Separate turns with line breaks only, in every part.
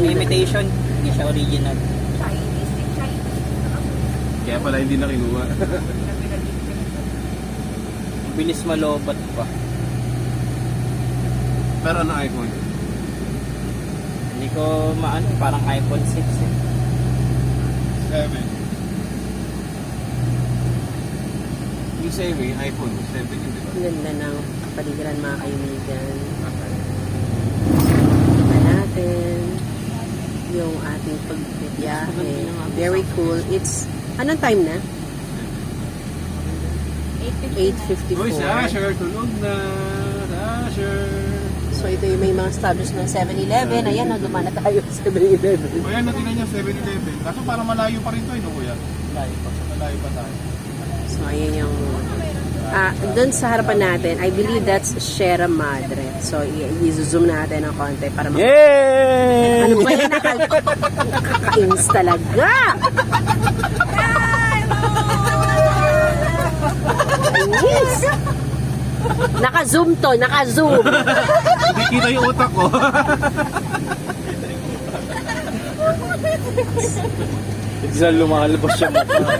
imitation, hindi siya original.
Kaya pala hindi na kinuha.
Bilis malobat pa.
Pero ano iPhone?
Hindi ko maano, parang iPhone 6 eh.
7. Yung 7, iPhone 7 yun, di ba?
Ang ganda ng kapaligiran mga kaibigan. Kita natin yung ating pagbibiyahe. Very cool. It's, anong time na? 8:54.
Uy, Sasher, tulog na. Sasher.
So ito yung may mga establish ng 7-Eleven. Ayan, naguma na tayo sa 7-Eleven.
Kuya, natingnan niya 7-Eleven. Kaso parang malayo pa rin to, no, kuya? Malayo pa tayo.
So ayan yung doon sa harapan natin, I believe that's Sierra Madre. So i-zoom natin ng konti para
Yay!
ano ba yan? Nakakainis talaga! Yes! Naka-zoom to, naka-zoom.
Hindi kita yung utak ko.
Bigla lumalabas siya mukha.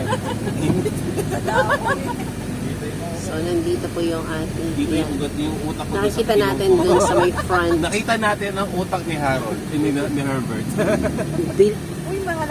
So nandito po yung ating
Dito yung utak ko.
nakikita natin dun sa may front.
Nakita natin ang utak ni Harold, ni Herbert.